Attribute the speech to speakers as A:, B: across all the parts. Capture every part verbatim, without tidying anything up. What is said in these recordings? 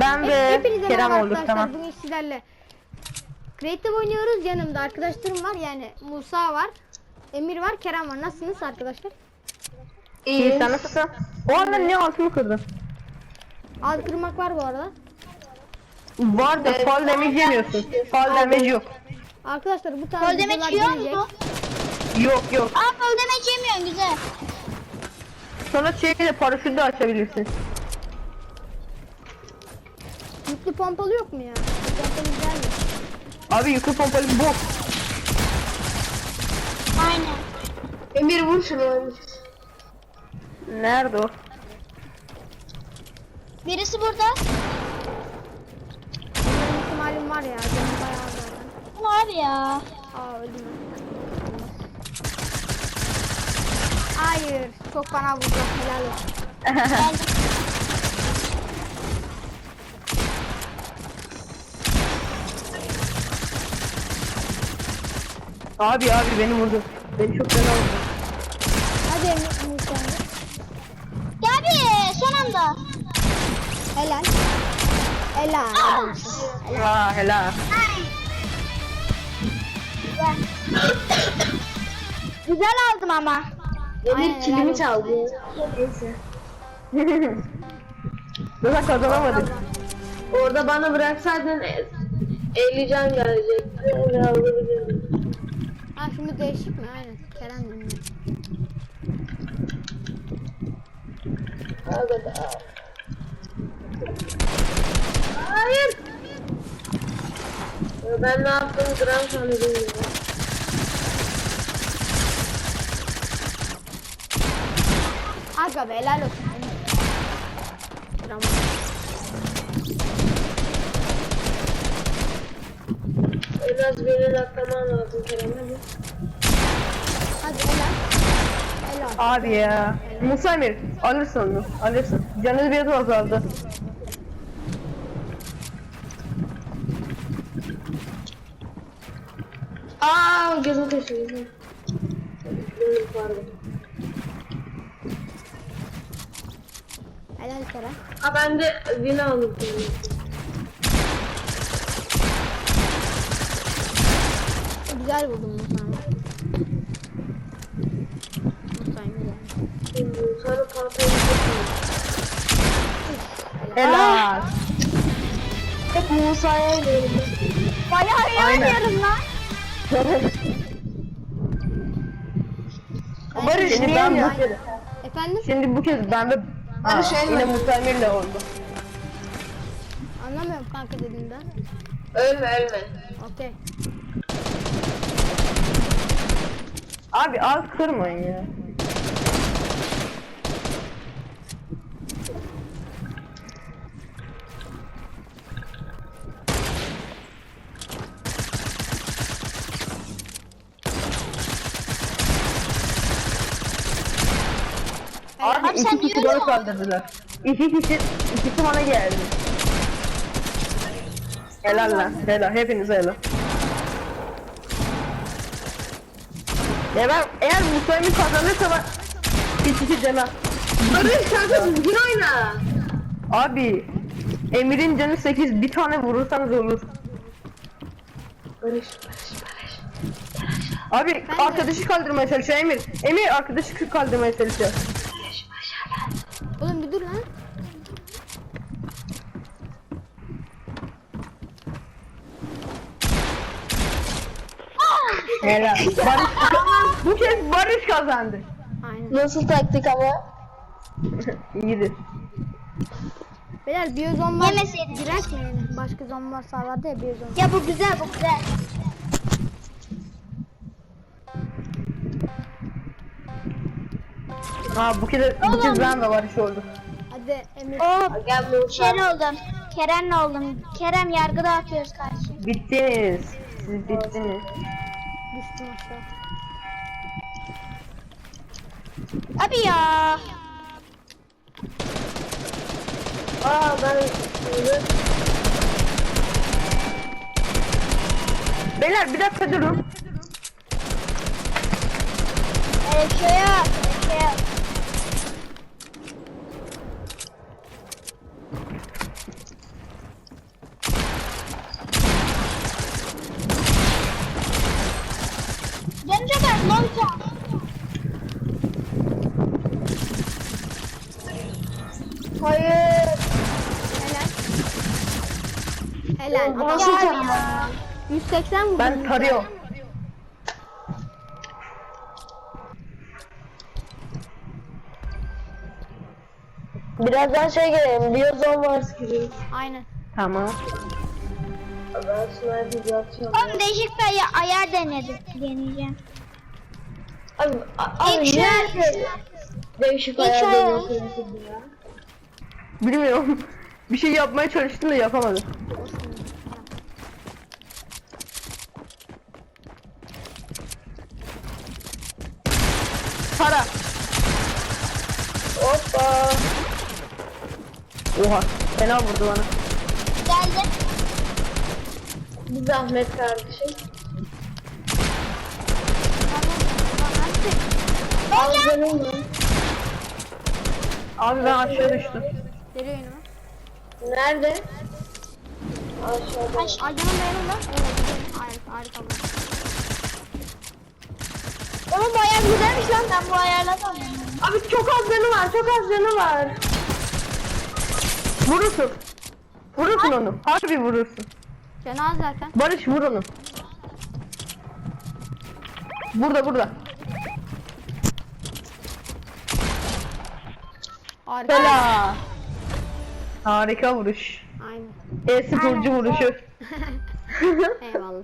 A: Ben ve
B: Hepinize
A: Kerem
B: merhaba
A: olduk,
B: arkadaşlar.
A: tamam.
B: Bugün sizlerle Creative oynuyoruz. Yanımda arkadaşlarım var. Yani Musa var, Emir var, Kerem var. Nasılsınız arkadaşlar?
A: İyi, sen nasılsın? O anda niye altımı kırdın?
B: Az kırmak var bu arada.
A: Var da fall damage yemiyorsun. Fall damage yok.
B: Arkadaşlar bu tarz
C: Gol
B: videolar
C: demek yiyor
B: gelecek.
C: mu?
A: Yok yok.
C: Aa gol demek yemiyorsun güzel.
A: Sonra şeyle paraşütü de açabilirsin.
B: Yüklü pompalı yok mu ya? Pompalı güzel mi?
A: Abi yüklü pompalı bok.
C: Aynen.
D: Emir vur şunu.
A: Nerede o?
C: Birisi burada.
B: Benim ihtimalim var ya. Canım bayağı zaten.
C: Var ya.
B: Aa öldüm ben. Hayır. Çok bana vurdu. Helal olsun.
C: Geldim.
A: Abi abi beni vurdu. Beni çok fena vurdu.
B: Hadi Emir Musa.
C: Gel bir son anda.
B: Helal. Helal. adamsın.
A: Aa helal.
C: Güzel aldım ama.
B: Aynen,
D: Emir
B: helal
D: kilimi
B: olsun.
D: çaldı. Neyse.
A: Zaten kazanamadık.
D: Orada bana bıraksaydın elli can gelecekti. Öyle alabilirdim.
B: Ha şimdi değişik mi? Aynen. Kerem dinliyor.
D: Al da al. Hayır. Ya ben ne yaptığımı gram sana bilmiyorum.
B: Aga be helal olsun. Tamam.
D: En az birini atlaman lazım Kerem hadi.
B: Hadi helal. Helal.
A: Abi ya. Musa Emir alırsın onu. Alırsın. Canı biraz azaldı.
D: Aa gözüm kaçırdı. Benim pardon.
B: Helal Kerem.
D: Ha ben de vini aldım.
B: Güzel buldum Musa'yı. Musa'yı yani.
D: Sonra pantayı yapıyorum.
A: Helal.
D: Hep Musa'ya veriyorum.
C: Bayağı iyi
A: Aynen.
C: oynuyorum lan.
A: Barış
B: Şimdi
A: niye
B: ben
A: bu
B: bu-
A: kez?
B: Efendim?
A: Şimdi bu kez ben de
D: Barış
A: Aa, yine
D: ölme.
A: Musa Emir'le oldu.
B: Anlamıyorum kanka dediğinden.
D: Ölme ölme.
B: Okey.
A: Abi az kırmayın ya. Abi
C: Abi sen
A: iki
C: niye
A: kişi
C: öyle
A: bana kaldırdılar. İki kişi, ikisi bana geldi. Helal lan, helal, hepinize helal. Ya ben, eğer Musa'yı kazanırsa ben bir kişi cana.
D: Barış kanka düzgün oyna.
A: Abi, Emir'in canı sekiz, bir tane vurursanız olur.
D: Barış Barış Barış.
A: Abi
B: Ben de-
A: arkadaşı kaldırmaya çalışıyor Emir. Emir arkadaşı kaldırmaya çalışıyor.
B: Oğlum bir dur lan.
A: Helal. Barış, bu kez Barış kazandı.
B: Aynen.
D: Nasıl taktik ama?
A: İyidir.
B: Beyler biyozon var.
C: Yemeseydin.
B: Girek mi yani? Başka zon var sağlarda ya biyozon.
C: Ya bu güzel bu güzel.
A: Ha bu kez, bu kez ben de Barış oldu.
B: Hadi Emir.
C: Oo
D: Gel Musa.
C: şey oldum. Kerem'le oldum. Kerem yargı dağıtıyoruz karşı.
A: Bittiniz. Siz bittiniz.
B: Düştüm aşağı.
C: Abi ya.
D: Aa ben
A: Beyler bir dakika durun.
C: Öyle bir şey yok. Öyle bir şey yok. Son can.
D: Hayır.
B: Helal. Helal. Adam
D: Nasıl
C: Ya
D: can?
C: ya.
B: yüz seksen vurdu.
A: Ben tarıyorum.
D: Birazdan şey gelelim. Biyozon var skiri.
B: Aynen.
A: Tamam.
D: Ben sniper yapacağım.
C: Oğlum değişik bir ay- ayar denedim. Deneyeceğim.
D: Abi, a- abi
C: İlk şu-
D: nerede? Değişik
C: İlk şu-
D: ayarlar yapıyorsun ya.
A: Bilmiyorum. Bir şey yapmaya çalıştım da yapamadım. Para.
D: Hoppa.
A: Oha. Fena vurdu bana.
C: Geldi.
D: Bir zahmet kardeşim.
C: Ben gel.
D: Canım var.
A: Abi ben aşağı düştüm.
B: Geliyor önüme.
D: Nerede? Aşağıda.
B: Ay canım benim lan. Evet. Harika harika. bu.
C: Oğlum bu ayar güzelmiş lan. Ben bu ayarla da oynuyorum.
A: Abi çok az canı var. Çok az canı var. Vurursun. Vurursun onu. Harbi vurursun.
B: Fena zaten.
A: Barış vur onu. Burada burada.
B: Harika.
A: Bela. Harika vuruş.
B: Aynen.
A: E-sporcu vuruşu.
B: Eyvallah.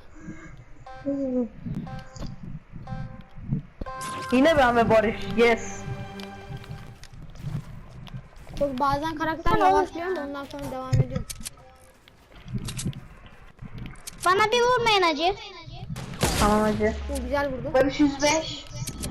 A: Yine ben ve Barış. Yes.
B: Çok bazen karakter yavaşlıyor da ondan sonra devam ediyor.
C: Bana bir vurmayın acı.
A: Tamam hacı.
B: Bu güzel vurdu.
D: Barış yüz beş.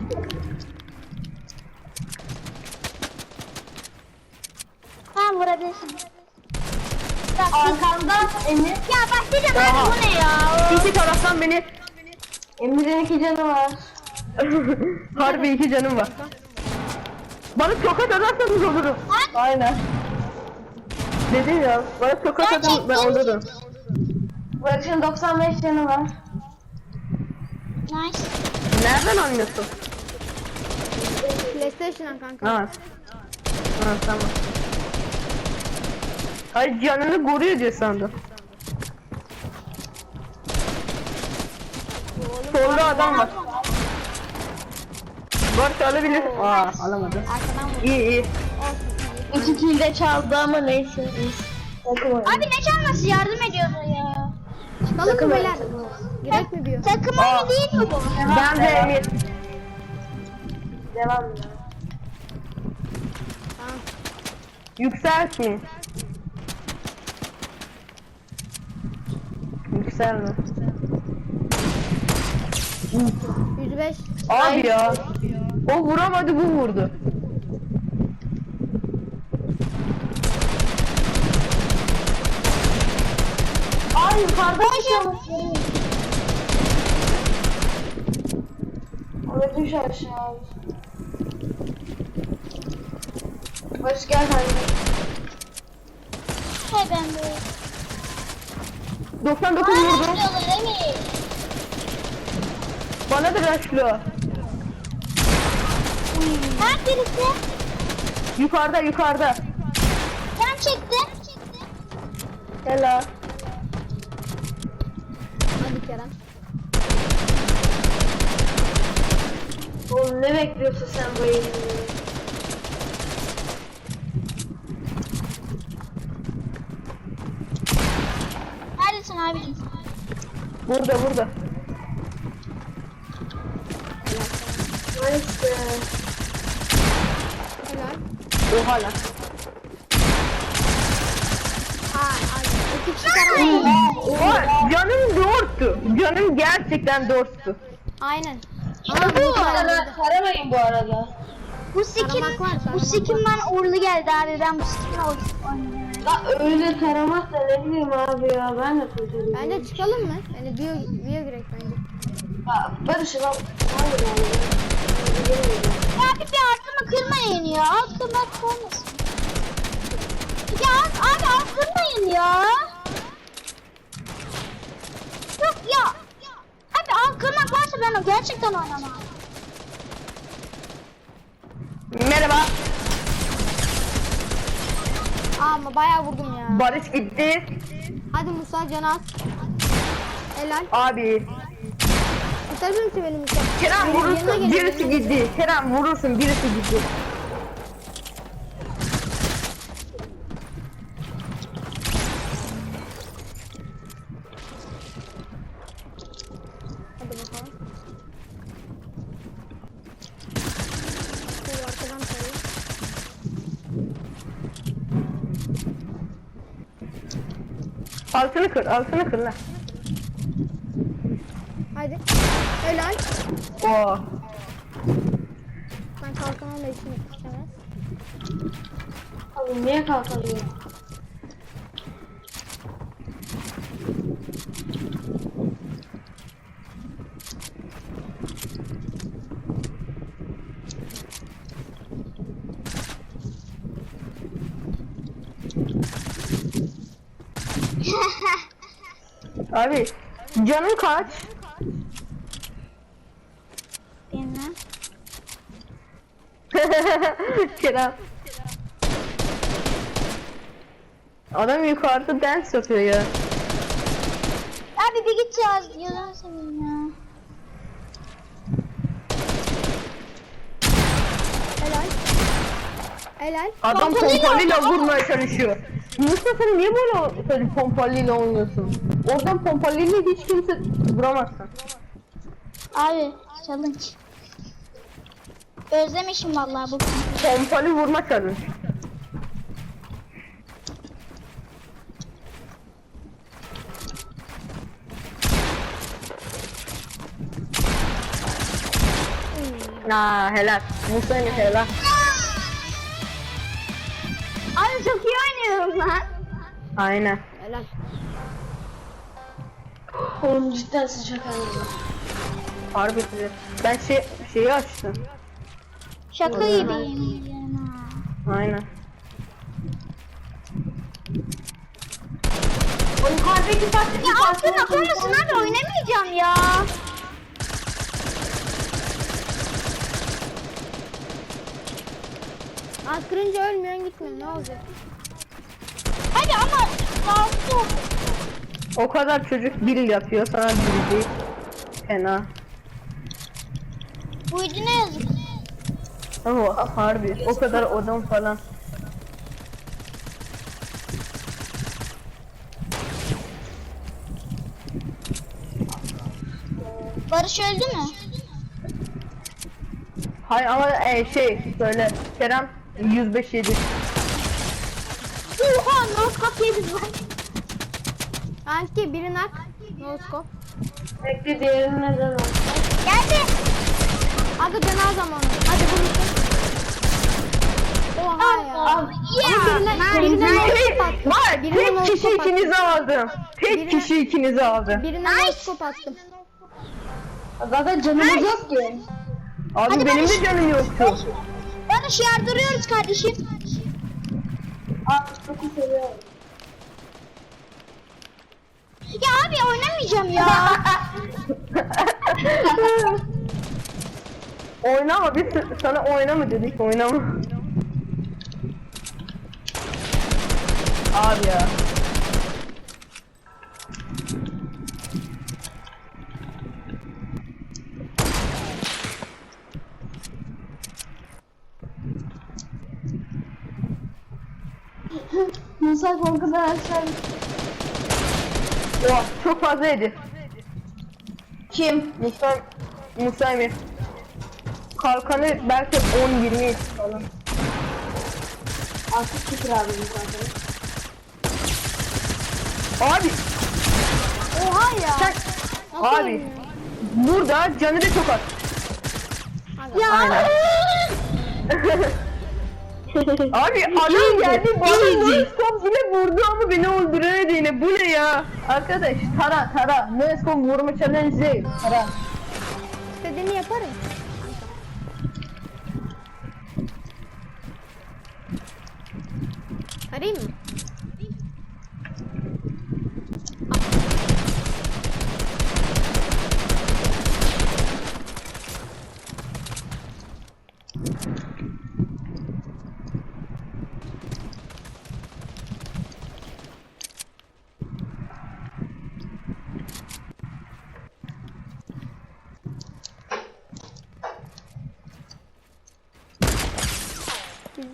C: Tamam vurabilirsin.
D: Arkamda Emir.
C: Ya başlayacağım abi
A: Oha.
C: bu ne ya?
A: İki taraftan beni
D: Emir'in iki canı var.
A: harbi iki canım var. Bana tokat atarsanız olurum. Aynen. Dedim ya, bana tokat atın ben olurum.
D: Barış'ın doksan beş canı var.
C: Nice.
A: Nereden anlıyorsun?
B: PlayStation'dan kanka.
A: Ha. Ha tamam. Ay canını koruyor diye sandım. Solda adam var. Barış alabilir. Aa alamadı.
B: Arkadan vurdu.
A: İyi iyi.
B: Olsun.
D: İki kill de çaldı ama neyse. Takım oyunu.
C: Abi ne çalması yardım ediyordu ya.
B: Çıkalım
D: Takım
B: mı
D: oyunu,
B: beyler?
D: takım oyunu.
B: Gerek mi diyor?
C: Takım
A: Aa.
C: oyunu değil mi bu?
A: Ben de Emir.
D: Devam ya.
B: Tamam.
A: Yükseltmeyin. Yükselme.
B: yüz beş.
A: Abi ya. O vuramadı bu vurdu.
D: Ay yukarıda bir şey var. Orada düş aşağı. Barış gel hadi.
C: Hey ben de.
A: doksan dokuz
C: Bana
A: vurdu.
C: başlıyorlar Emir.
A: Bana da rushlıyor.
C: Ha birisi.
A: Yukarıda yukarıda.
C: Can çekti.
A: Helal.
B: Hadi Kerem.
D: Oğlum ne bekliyorsun sen bu eğitimde?
C: Neredesin abicim?
A: Burada burada.
D: Nice be.
B: Helal.
A: Oha lan.
B: Aa, ay. İki kişi karan.
A: Oha canım dörttü. Canım gerçekten dörttü.
B: Aynen.
C: İşte
B: Ama
C: bu.
B: bu kadar
D: Tara,
B: vurdu.
D: taramayın bu arada.
C: Bu skin,
B: Taramak var,
C: bu
B: taramak
C: skin bana uğurlu geldi abi. Ben bu skinle oynuyorum.
D: La öyle taramak da ne bileyim abi ya ben de kurtarıyorum.
B: Bence çıkalım mı? Yani bio, bio girek bence.
D: Ya Barış lan. Hayır abi.
C: Ya abi bir aklımı kırmayın ya. Aklımı kırmasın. Ya abi abi kırmayın ya. Yok ya. Abi al kırmak varsa ben o gerçekten oynamam.
B: Kanka bayağı vurdum ya.
A: Barış gitti.
B: Hadi Musa canı az. Helal.
A: Abi.
B: Kurtarır mısın beni Musa?
A: Kerem
B: Benim yanıma
A: vurursun.
B: gel,
A: Birisi
B: yanıma gel.
A: gitti. Kerem vurursun. Birisi gitti.
B: Hadi bakalım. Şöyle arkadan sayayım.
A: Altını kır. Altını kır lan.
B: Hadi. Helal.
A: Oo.
B: Ben kalkamam da işim istemez.
D: Abi niye kalkamıyor?
A: Abi canın kaç?
C: Bilmem.
A: Kerem. Adam yukarıda dance yapıyor ya.
C: Abi bir git ya. Yalan seveyim ya.
B: Helal. Helal.
A: Adam
C: Pompalıyla
A: pompalıyla
C: oynuyor.
A: vurmaya çalışıyor. Mustafa sen niye böyle böyle pompalıyla oynuyorsun? Oradan pompalıyla hiç kimse vuramazsın.
C: Abi challenge. Özlemişim vallahi bu.
A: Pompalı vurma challenge. Aa helal. Musa ile helal.
C: Abi çok iyi oynuyorum lan.
A: Aynen.
B: Helal.
D: Oğlum cidden sıcak anladım.
A: Harbi güzel. Ben şey şeyi açtım.
C: Şaka
A: Öyle.
C: gibiyim. Ha.
A: Aynen.
C: O yukarıdaki taktik ya aslında böylesin abi oynamayacağım ya.
B: Az kırınca ölmüyorsun gitmiyorsun ne olacak?
C: Hadi ama kalktı.
A: O kadar çocuk bil yapıyor sana bil değil. Fena.
C: Bu yüzden ne yazık.
A: Ama harbi o kadar odam falan.
C: Barış öldü mü?
A: Hay ama e, şey söyle Kerem yüz beş yedi.
C: Oha no kapıyı biz var.
B: Anki biri nak. No scope.
D: Bekle diğerini neden al?
C: Geldi.
B: Hadi canı zamanı. Hadi vurursun. Oha ya.
C: Al.
B: Ama birine, birine no scope attım.
A: Var
B: Birine no
A: tek kişi
B: scope attım.
A: ikinizi aldım. Tek
B: Birine-
A: kişi ikinizi aldı.
B: Birine no scope attım.
D: Zaten canımız yok ki.
A: Abi
C: Hadi
A: benim
C: Barış.
A: de canım yoktu.
C: Barış yardırıyoruz kardeşim.
D: Aa çok seviyorum.
C: Ya abi oynamayacağım ya.
A: Oynama biz sana oynama dedik oynama. Abi ya.
D: Musa korkudan aşağı.
A: Oha çok fazla yedi. Kim? Musa Musa Emir. Kalkanı belki on yirmi falan.
D: Artık çıkır abi zaten.
A: Abi
B: Oha ya.
A: sen
B: Nasıl
A: abi
B: ölmüyor?
A: burada canı da çok az.
B: Hadi.
C: Ya.
A: Aynen. Abi adam geldi bana stop yine vurdu ama beni öldüremedi yine. Bu ne ya? Arkadaş tara tara. Ne stop vurma challenge değil. Tara.
B: İstediğini yaparım. Arayayım mı?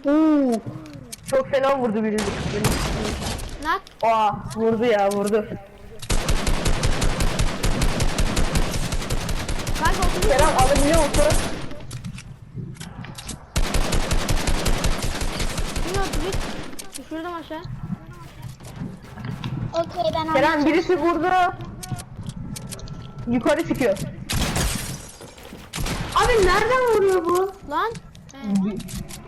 A: Oo, çok fena vurdu biri.
B: Nak.
A: Aa, vurdu ya vurdu.
B: Kanka otuz.
A: Kerem alabiliyor musun?
B: Yine otuz üç. Düşürdüm aşağı.
C: Okey ben
A: Kerem
C: anladım.
A: birisi vurdu. Yukarı çıkıyor.
D: Abi nereden vuruyor bu?
B: Lan. He.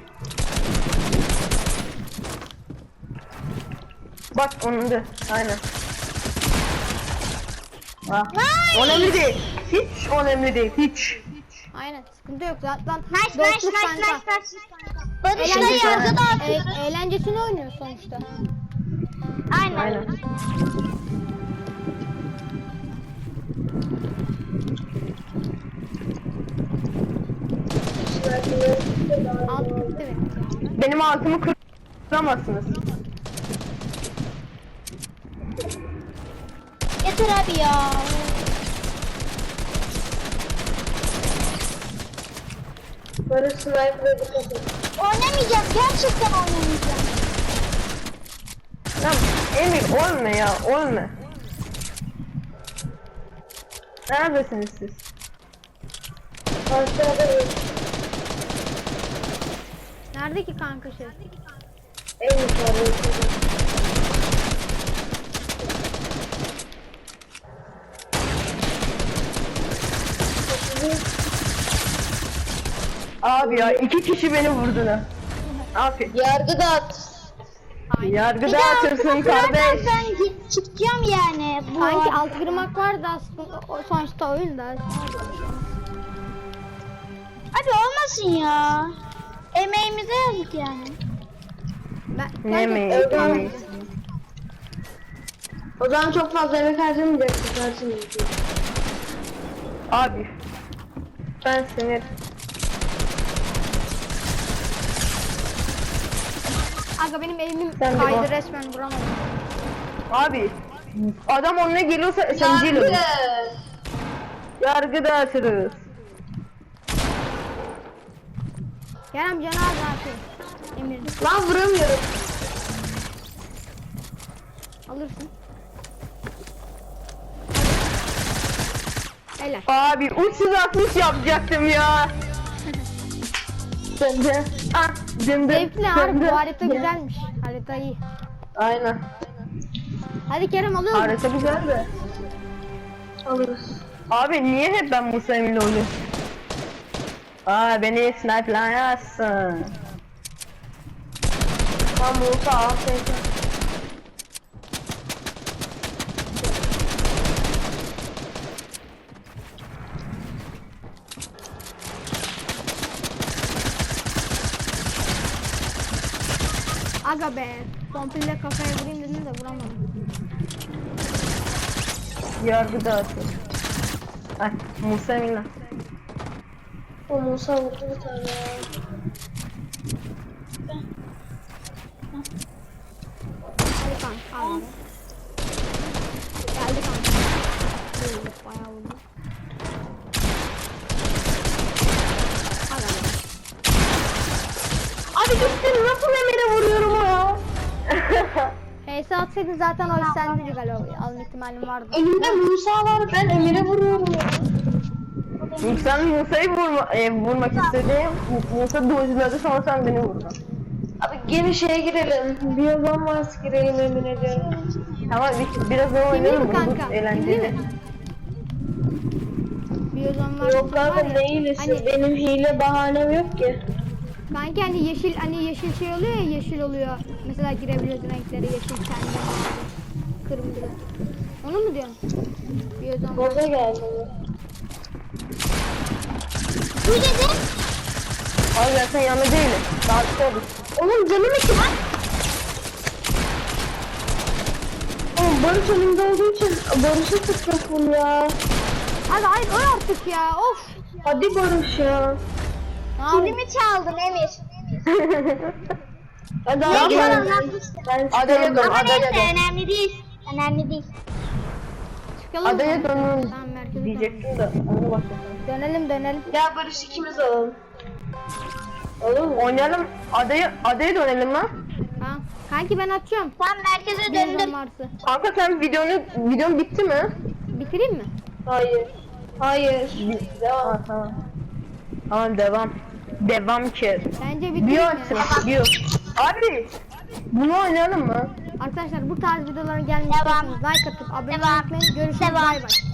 A: Bak onun da aynen. Ah, önemli değil. Hiç önemli değil. Hiç.
B: Aynen. Sıkıntı yok zaten.
C: Nice nice
B: Dostluk
C: nice
B: kanka.
C: nice nice. Barış'la
B: Eğlencesini,
C: yargı dağıtıyor.
B: e- eğlencesini oynuyor sonuçta.
C: Aynen.
A: Aynen.
B: Alt bitti benim.
A: Benim altımı kıramazsınız.
C: Yeter abi ya.
D: Barış sniper'a dikkat et.
C: Oynamayacağım. Gerçekten oynamayacağım.
A: Tamam. Emir ölme ya ölme. Neredesiniz siz?
D: Aşağıda bir
B: Nerede ki kanka şey?
D: en yukarıda.
A: Abi ya iki kişi beni vurdular. Abi
D: Yargı dağıt.
A: yargı
C: Bir daha
A: dağıtırsın
C: altına kırarsan
A: kardeş.
C: ben git- çıkacağım yani. Bu
B: Sanki alt kırmak vardı aslında o sonuçta oyun da.
C: Abi olmasın ya. Emeğimize yazık yani.
B: Ben,
A: Ne
B: kanka,
A: mi?
D: Öyle
A: Ne mi?
D: O zaman çok fazla emek harcamayacaksın karşımızda.
A: Abi ben sinir.
B: Aga benim elimim
A: Sen de
B: kaydı
A: bak.
B: resmen vuramadım.
A: Abi adam onunla geliyorsa S M G ile vur. Yargı dağıtırız.
B: Kerem canı az artık. Emir
D: Lan vuramıyorum.
B: alırsın. Helal.
A: Abi üç yüz altmış yapacaktım ya. Dındı. Ah dındı.
B: Zevkli harbi
A: dındı.
B: bu harita güzelmiş. Harita iyi.
A: Aynen.
B: Hadi Kerem alıyoruz.
A: Harita güzel de.
D: Alırız.
A: Abi niye hep ben Musa Emin'le oluyorum? Aa beni sniperlayasın.
D: Tam Musa al sen.
B: Aga be. Komple kafaya vurayım dedim de vuramadım.
A: Yargı dağıtır. Ay Musa Emin'le.
D: O Musa vurdu bir tane ya.
B: Hadi kanka al. Geldi kanka. Vurdu, bayağı vurdu. Aga be.
A: Abi gittin nasıl Emin'e vuruyorum ya?
B: H S atsaydın zaten o sendeydi galiba. Alma ihtimalim vardı.
D: Elimde Musa var, ben Emir'e vuruyorum ya.
A: İlk sen Musa'yı vurma, e, vurmak istediğim Musa dojladı sonra sen beni vurdun.
D: Abi gene şeye girelim. Biyozon Mars girelim Emir'e diyorum.
A: Ama bir, biraz daha
B: Kimli
A: oynayalım
B: mi
A: bunu,
B: kanka?
A: bu
B: Kimli
A: eğlenceli.
B: mi? Biyozon var.
D: Yok kanka
B: var ya,
D: ne hilesi?
B: Hani,
D: Benim hile bahanem yok ki.
B: kanki hani yeşil hani yeşil şey oluyor ya yeşil oluyor. Mesela girebiliyorsun renkleri yeşil kendi kırmızı. Onu mu diyorsun? Biyozon var.
D: Boza geldi.
C: Bu dedi.
A: Abi ben sen yanında değilim. Daha bir şey olur.
D: Oğlum canım iki lan. Oğlum Barış önümde olduğu için Barış'a sıkacak bunu ya.
B: Hadi hayır öl artık ya of.
D: Hadi Barış ya.
B: Ne yapayım?
C: Dilimi çaldın Emir.
D: Hadi
C: Ne
D: abi.
C: güzel
D: Ben
C: anlatmıştın.
A: Adaya
D: çıkıyorum.
A: dön,
C: Ama
A: adaya
C: neyse
A: dön.
C: önemli değil. Önemli değil.
B: Çıkalım mı?
A: Adaya dönün
B: Tamam merkeze dön.
A: diyecektim de onu bak.
B: Dönelim dönelim.
D: Gel Barış ikimiz alalım. Oğlum
A: Oynayalım. Adayı, adayı da oynayalım lan.
B: Ha. Kanki ben açıyorum.
C: Tam merkeze
B: Birazdan
C: döndüm.
B: varsa.
A: Kanka sen videonu, videon bitti mi?
B: Bitireyim mi?
D: hayır. Hayır. Devam.
A: Ha, tamam. Tamam devam. Devam ki.
B: Bence bitireyim
A: Bio
B: ya.
A: açsın. Bio. Abi. Bunu oynayalım mı?
B: Arkadaşlar bu tarz videoların gelmesi
C: Devam.
B: istiyorsanız like atıp abone
C: Devam.
B: olmayı unutmayın. Görüşürüz.
C: Devam.
B: Bay bay.